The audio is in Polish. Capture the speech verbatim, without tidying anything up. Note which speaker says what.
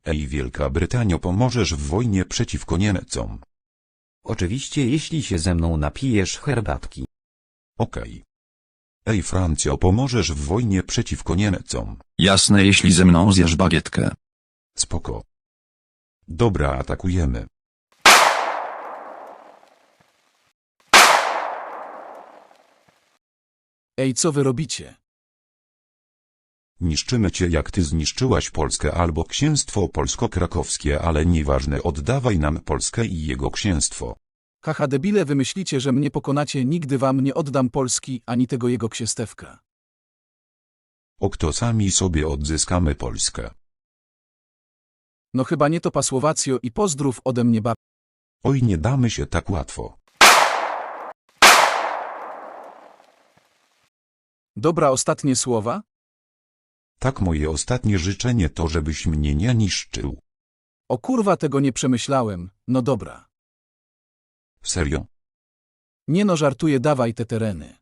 Speaker 1: Ej, Wielka Brytanio, pomożesz w wojnie przeciwko Niemcom?
Speaker 2: Oczywiście, jeśli się ze mną napijesz herbatki.
Speaker 1: Okej. Ej, Francjo, pomożesz w wojnie przeciwko Niemcom?
Speaker 3: Jasne, jeśli ze mną zjesz bagietkę.
Speaker 1: Spoko. Dobra, atakujemy.
Speaker 4: Ej, co wy robicie?
Speaker 1: Niszczymy cię, jak ty zniszczyłaś Polskę albo księstwo polsko-krakowskie, ale nieważne, oddawaj nam Polskę i jego księstwo.
Speaker 4: Haha, debile, wy myślicie, że mnie pokonacie, nigdy wam nie oddam Polski, ani tego jego księstewka.
Speaker 1: O, kto sami sobie odzyskamy Polskę.
Speaker 4: No chyba nie to, Pasłowacjo, i pozdrów ode mnie bab...
Speaker 1: Oj, nie damy się tak łatwo.
Speaker 4: Dobra, ostatnie słowa?
Speaker 1: Tak, moje ostatnie życzenie to, żebyś mnie nie niszczył.
Speaker 4: O kurwa, tego nie przemyślałem, no dobra.
Speaker 1: Serio?
Speaker 4: Nie no, żartuję, dawaj te tereny.